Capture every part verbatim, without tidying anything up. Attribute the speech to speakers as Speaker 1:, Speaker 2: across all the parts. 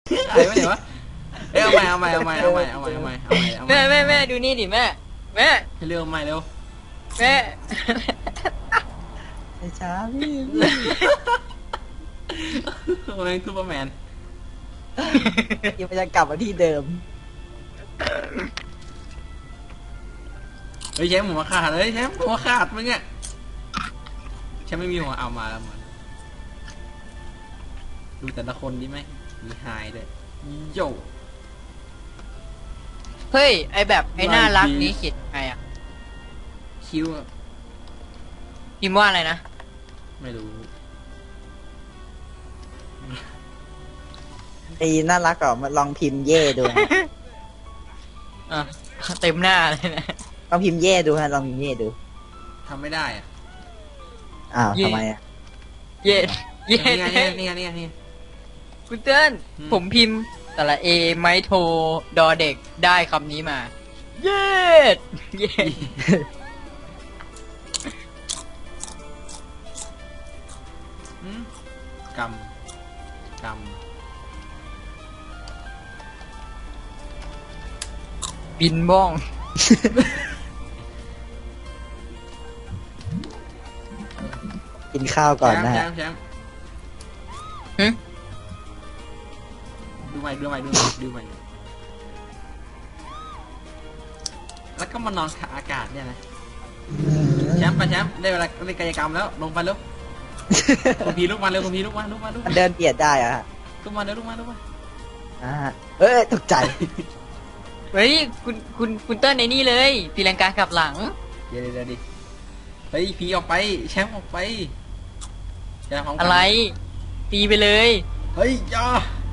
Speaker 1: หายไปไหนวะเอ้ยเอาใหม่เอาใหม่เอาใหม่เอาใหม่เอาใหม่เอาใหม่เอาใหม่เอาใหม่
Speaker 2: แม่แม่แม่ดูนี่ดิแม่แม่
Speaker 1: เร็วใหม่เร็ว
Speaker 2: แม่
Speaker 3: ไอ้ช้าพี่
Speaker 1: โอ้ยซูเปอร์แมน
Speaker 3: ยังไม่จะกลับมาที่เดิม
Speaker 1: เฮ้ยแชมป์หัวขาดเลยแชมป์หัวขาดมึงอะแชมป์ไม่มีหัวเอามาแล้วมันดูแต่ละคนดิไหมมีหายเลยโย่
Speaker 2: เฮ้ยไอแบบไอน่ารักนี้เขียนไงอ่ะ
Speaker 1: คิวอะ
Speaker 2: พิมพ์ว่าอะไรนะ
Speaker 1: ไม่รู้
Speaker 3: ไอ้น่ารักก่อนมาลองพิมพ์เย่ดู
Speaker 2: อ่ะเต็มหน้าเลยนะ
Speaker 3: ลองพิมพ์เย่ดูฮะลองพิมพ์เย่ดู
Speaker 1: ทำไม่ได้อะ
Speaker 3: อ้าวทำไมอ่ะ
Speaker 2: เย็ดเย็
Speaker 1: นี่
Speaker 2: ด
Speaker 1: ไงนี่ไงนี่ไงนี่ไง
Speaker 2: คุณเติ้ล
Speaker 1: อืม
Speaker 2: ผมพิมพ์แต่ละเอไมโทรดอเด็กได้คำนี้มา เย็ดเย็ด
Speaker 1: อืมกำก
Speaker 2: บินบ้อง
Speaker 3: กินข้าว
Speaker 1: ำ
Speaker 3: ก่อน
Speaker 1: แชม
Speaker 3: นะ
Speaker 1: ป์แช
Speaker 3: ฮะ
Speaker 1: มป์แชมป์
Speaker 2: หึ
Speaker 1: ดูใหม่ดูใหม่ดูใหม่ดูใหม่แล้วก็มานอนขาอากาศเนี่ยนะแชมป์ไปแชมป์ได้เวลาเล่นกายกรรมแล้วลงไปแล้วคุณพีลุกมาเร็วคุณพีลุกมาลุกมาลุก
Speaker 3: มั
Speaker 1: มาน
Speaker 3: เดินเบียดได้อะฮะ
Speaker 1: ลุกมาเร็วลุกมาลุกมา
Speaker 3: อ่าเอ้ยตกใจ
Speaker 2: เฮ้ยคุณคุณคุณเติ้ลในนี่เลยตีลังกากลับหลัง
Speaker 1: เดี๋ยวเดี๋ยวดิเฮ้ยพีออกไปแชมป์ออกไปแชมป์พร้อมกัน
Speaker 2: อะไร ตีไปเลย
Speaker 1: เฮ้ยจ้า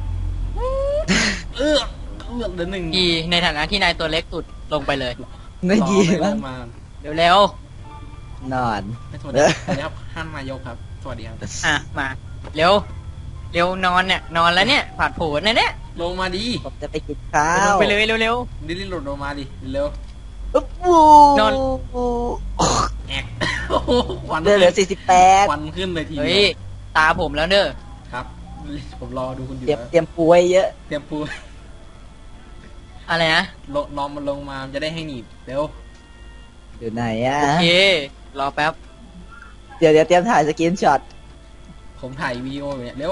Speaker 1: เออเออเดือนหนึ่ง
Speaker 2: ดีในฐานะที่นายตัวเล็กสุดลงไปเลย
Speaker 3: ไม่ดี
Speaker 1: รอ
Speaker 3: มั้ง
Speaker 1: มา
Speaker 2: เร็วเร็วน
Speaker 3: อน
Speaker 1: ไม่สวัสดีสวัสดีครับท่านนายกครับ สวัสดีครับ
Speaker 2: ๆอ่ะมา เร็ว เร็วนอนเนี่ยนอนแล้วเนี่ยผาดโผนนะเนี่ย
Speaker 1: ลงมาดิ
Speaker 3: ผมจะไปกินข้า
Speaker 2: ล
Speaker 3: ว
Speaker 2: งไปเลยเร็วเร็ว
Speaker 1: ดิลิหลุดลงมาดิเร็ว
Speaker 3: อุ๊บปู
Speaker 2: นอน
Speaker 1: แอกโอ้โหควัน
Speaker 3: เดือเหลือสี่สิบแปด
Speaker 1: ควันขึ้นเลยที
Speaker 2: เฮ้
Speaker 1: เดี
Speaker 2: ย
Speaker 1: ยว
Speaker 2: ตาผมแล้วเด้อ
Speaker 1: ครับ ผมรอดูคุณอยู่
Speaker 3: เตรียม
Speaker 1: แล้ว
Speaker 3: เตรียมปูไว้เยอะ
Speaker 1: เตรียมปู
Speaker 2: อะไรนะ
Speaker 1: ลงนอนมันลงมามันจะได้ให้หนีบเร็ว
Speaker 3: อยู่ไหนอ่ะ
Speaker 2: โอเค รอแป๊บ
Speaker 3: เดี๋ยวเดี๋ยวเตรียมถ่ายสกรีนช็อต
Speaker 1: ผมถ่ายวีดีโออยู่เนี่ยเร็ว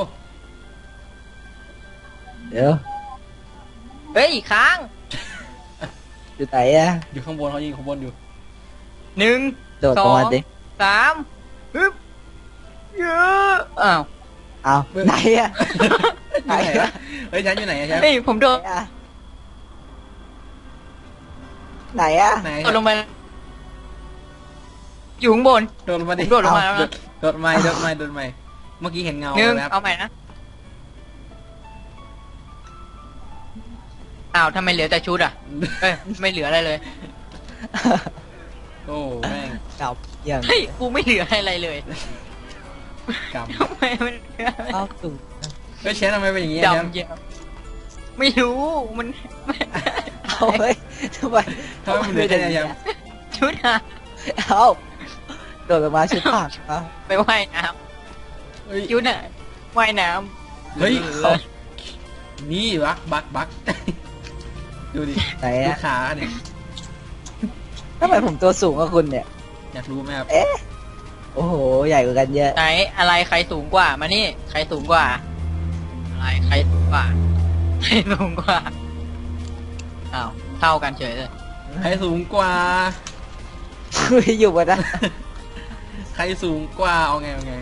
Speaker 3: เดี๋ยว
Speaker 2: เฮ้ย ค้าง
Speaker 3: อยู่ไหนอ่ะ
Speaker 1: อยู่ข้างบนเขายิงข้างบนอยู่
Speaker 2: หนึ่ง
Speaker 3: โดดลงมาดิ
Speaker 2: สามฮึบเยอะอ้าว
Speaker 3: เอาไหนอ่ะ
Speaker 1: ไหนอะเฮ้ยฉันอยู่ไหนอะฉัน
Speaker 2: เฮ้ย ผมโด
Speaker 3: ไหน
Speaker 2: ด
Speaker 3: อ่ะไหนอ่ะ
Speaker 1: ไหน
Speaker 2: โดดลงไปอยู่ข้างบน
Speaker 1: โดดลงมาดิ
Speaker 2: ผมโดดลงมาแล้วนะ
Speaker 1: โดดไม่โดดไม่โดดไม่เมื่อกี้เห็นเงา
Speaker 2: หนึ่ง
Speaker 1: แล้ว
Speaker 2: เอาใหม่นะ อ้าวทำไมเหลือแต่ชุดอ่ะ เอ้ย ไม่เหลืออะไรเลย
Speaker 1: โอ้แม่ง
Speaker 3: เก่าอย่าง
Speaker 2: เฮ้ย กูไม่เหลืออะไรเลย
Speaker 1: ก
Speaker 2: ทำไมมันเหลืออะไร
Speaker 3: เข้าสู่
Speaker 1: ำเฮ้ยเชนทำไมเป็นอย่างงี้อะแชมป์
Speaker 2: ดำเยอะไม่รู้ มัน
Speaker 3: เอาเฮ้ยทำไม
Speaker 1: ทำไมมันเหลือแค่เนี้ยแชมป์
Speaker 2: ชุดอะ
Speaker 3: เอาโดดลงมาชุดผักเอา
Speaker 2: ไปว่ายน้
Speaker 1: เฮ้ย
Speaker 2: ำชุดอะว่ายน้ำ
Speaker 1: เฮ้ย
Speaker 2: หลือ
Speaker 1: เขานี่บักบักบัก ดูดิ
Speaker 3: ไหน
Speaker 1: ดู
Speaker 3: อ่ะ
Speaker 1: ขาเนี่ย
Speaker 3: ทำไมผมตัวสูงกว่าคุณเนี่ย
Speaker 1: อยากรู้ไหมครับ
Speaker 3: เอ๊ะ โอ้โห ใหญ่กว่ากันเยอะ
Speaker 2: ไหนอะไรใครสูงกว่า มานี่ ใครสูงกว่า อะไรใครสูงกว่า ใครสูงกว่า อ้าว เท่ากันเฉยเลย
Speaker 1: ใครสูงกว่า
Speaker 3: คุยอยู่บนนั้น
Speaker 1: ใครสูงกว่าเอาไงเอาไง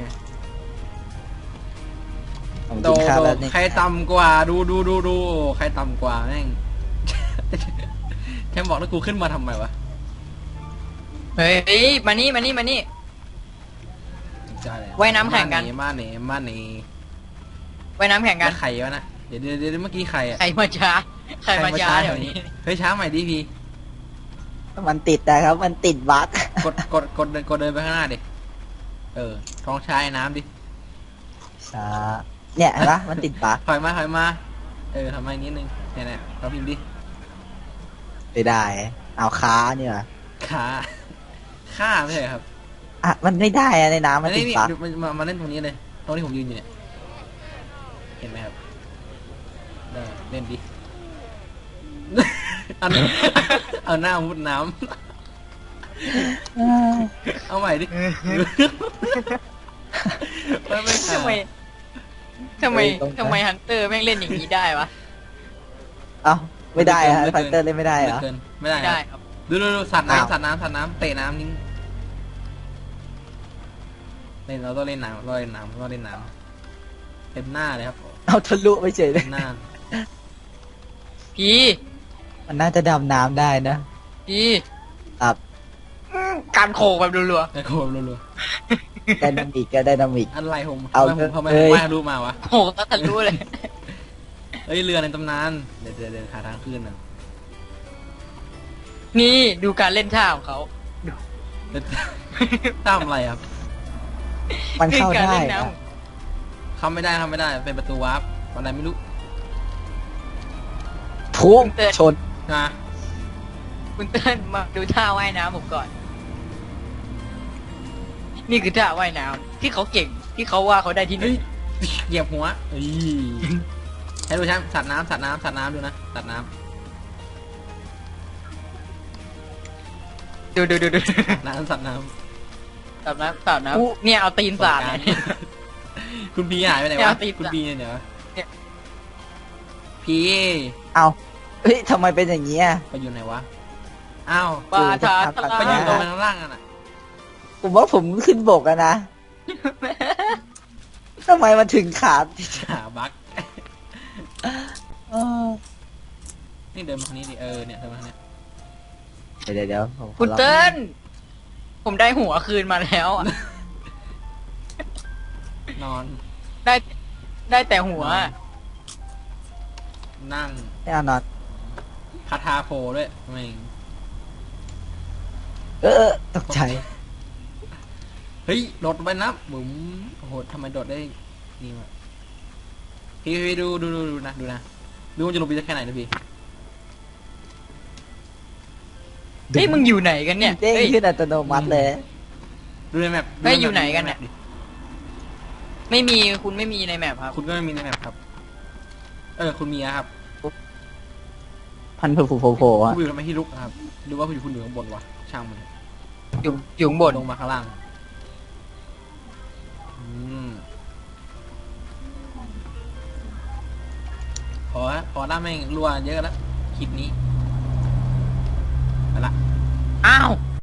Speaker 3: ผม
Speaker 1: โด
Speaker 3: กินข้าว
Speaker 1: โด
Speaker 3: แล้วนี่
Speaker 1: ใครต่ำกว่าดูดูดูดูใครต่ำกว่าแม่ง แทมบอกแล้วกูขึ้นมาทำไมวะ
Speaker 2: เฮ้ย มานี่ มานี่ มานี่
Speaker 1: ใช่เลย
Speaker 2: ว่ายน้ำแข่งกัน
Speaker 1: มาเน่มาเน่
Speaker 2: ว่ายน้ำแข่ง
Speaker 1: กั
Speaker 2: กัน น
Speaker 1: ใครวะนะเดี๋ยวเดี๋ยวเดี๋ยวเมื่อกี้ใครอะ
Speaker 2: ใครมาช้า ใครมาช้าเดี๋ยวนี้
Speaker 1: เฮ้ยช้าใหม่ดิพี่
Speaker 3: มันติดนะครับ มันติดบั๊ก
Speaker 1: กดกดกดเดินกดเดินไปข้างหน้าดิเออท้องช้าไอ้น้ำดิ
Speaker 3: ช้าเนี่ยเห็นปะมันติดบั๊ก
Speaker 1: ถอยมาถอยมาเออทำไมนิดนึงเนี่ยเนี่ยเราพิมพ์ดิ
Speaker 3: ไม่ได้ เอาค้าเนี่ย
Speaker 1: ขาข้าไม่ใช่ครับ
Speaker 3: อ่ะ มันไม่ได้อะในน้ำมัน
Speaker 1: อัน
Speaker 3: ติ
Speaker 1: นี้
Speaker 3: ด
Speaker 1: นี่
Speaker 3: บั๊ก
Speaker 1: ดูมามามาเล่นตรงนี้เลยตรงที่ผมยืนอยู่เนี่ยเห็นไหมครับได้เล่นดิ เอาเอาหน้ามุดน้ำเอาใหม่ดิไม่ไม่
Speaker 2: ทำไมทำไมทำไมฮันเตอร์แม่งเล่นอย่างนี้ได้วะ
Speaker 3: เอ้าไม่ได้อะไฟเตอร์เล่นไม่ได้เหรอ
Speaker 1: เกินไม่ได้
Speaker 2: ไม่ได้
Speaker 1: ค
Speaker 2: ครับ รับ
Speaker 1: ดูดูดูสัตว์
Speaker 3: อ้าว
Speaker 1: น้ำสัตว์น้ำสัตว์น้ำเตะน้ำนิ่งเล่นเราต้องเล่นน้ำเราเล่นน้ำเราเล่นน้ำเต็มหน้าเลยครับ
Speaker 3: เอาทะลุไปเฉยเล
Speaker 1: เต็
Speaker 3: ย
Speaker 1: มหน้า
Speaker 2: พี่
Speaker 3: มันน่าจะดำน้ำได้นะ
Speaker 2: พี่
Speaker 3: ครับ
Speaker 2: การโขกแบบรัว
Speaker 1: ไอ้โคมรัว
Speaker 3: ไดนามิกก็ไดนามิก
Speaker 1: ๆอะไรผม
Speaker 3: เอา
Speaker 1: ทำไมผมทำไม
Speaker 3: เอ้
Speaker 1: ผม
Speaker 3: ย
Speaker 1: ว่ายรู้มาวะ
Speaker 2: ๆโขกตั้งแต่รู้เลย
Speaker 1: เอ้ยเรือในตำนานเดี๋ยวเดี๋ยวเดี๋ยวหาทางขึ้นนะ
Speaker 2: นี่ดูการเล่นท่าของเขา
Speaker 1: เดี๋ยวทำอะไรครับ
Speaker 3: มันเข้า
Speaker 2: คือการ
Speaker 3: ได้
Speaker 2: เล่นน้
Speaker 3: อะ
Speaker 1: เข้าไม่ได้เข้าไม่ได้เป็นประตูวาร์ปอะไรไม่รู้
Speaker 3: พุ่งชน
Speaker 1: นะ
Speaker 2: ำคุณเติ้ลมาดูท่าว่ายน้ำผมก่อน นี่คือท่าว่ายน้ำที่เขาเก่งที่เขาว่าเขาได้ที่หนึ่
Speaker 1: เฮ้ย
Speaker 2: ง
Speaker 1: เหยียบหัวเอ้ยให้ดูช่างสัตว์น้ำสัตว์น้ำสัตว์น้ำดูนะสัตว์น้
Speaker 2: ดูดูดูดู
Speaker 1: ำน้ำสัตว์น้
Speaker 2: สาบน้ำสาบน้ำเนี่ยเอาตีน
Speaker 1: ำ
Speaker 2: สาดเลย
Speaker 1: คุณพีหายไปไหน
Speaker 2: เนี่
Speaker 1: วะ
Speaker 2: ยติด
Speaker 1: คุณ
Speaker 2: อะ
Speaker 1: พีเนี่ยเดี๋ยว
Speaker 2: เนี่ย
Speaker 1: พี
Speaker 3: เอาเฮ้ยทำไมเป็นอย่างนี้อะ
Speaker 1: ไปอยู่ไหนวะอ้าว
Speaker 2: ปลาทาท
Speaker 1: ไปอยู่ตรง
Speaker 2: ลา
Speaker 1: ข้างล่างกันอ่ะ
Speaker 3: ผมว่าผมขึ้นบกอะนะทำไมมันถึงขาด
Speaker 1: หาบั๊ก
Speaker 3: เออ
Speaker 1: นี่เดินมาทางนี้ดิเออเนี่ยเดินมาทางเนี้ย
Speaker 3: เดี๋ยวเดี๋ยวเดี๋ยวผมขอ
Speaker 2: คุณ
Speaker 3: ลอง
Speaker 2: เติ้ลผมได้หัวคืนมาแล้วอะ
Speaker 1: นอน
Speaker 2: ได้ได้แต่หัว
Speaker 1: นั่ง
Speaker 3: ไม่เอานอน
Speaker 1: คาทาโฟด้วยไม่ง
Speaker 3: เออเออตกใจ
Speaker 1: เฮ้ยโดดไปนะบุ๋มโอ้โหทำไมโดดได้นี่วะพี่พี่ดูดูดูดูนะดูนะดูมันจะลงไปได้แค่ไหนนะพี่
Speaker 2: เฮ้ยมึงอยู่ไหนกันเนี่ย
Speaker 3: เด้ง
Speaker 2: เฮ้ย
Speaker 3: ขึ้นอัตโนมัติเลย
Speaker 1: ดูในแมป
Speaker 2: เฮ้ยอยู่ไหนกัน
Speaker 1: ดูใแม
Speaker 2: เนี่ย
Speaker 1: ปดิ
Speaker 2: ไม่มีคุณไม่มีในแมปครับ
Speaker 1: คุณก็ไม่มีในแมปครับ เออคุณมีอะครับ
Speaker 3: พันโผล่โผล่โผล่
Speaker 1: คุ
Speaker 3: อะ
Speaker 1: ณอยู่ทำไมที่ลุกอะครับหรือว่าคุณอยู่คุณอยู่ข้างบนวะช่างมัน
Speaker 2: อยู่อยู่ข้างบน
Speaker 1: ลงมาข้างล่างอืมพอละพอละแม่งรัวเยอะแล้วคลิปนี้ไปละ
Speaker 2: อ้าว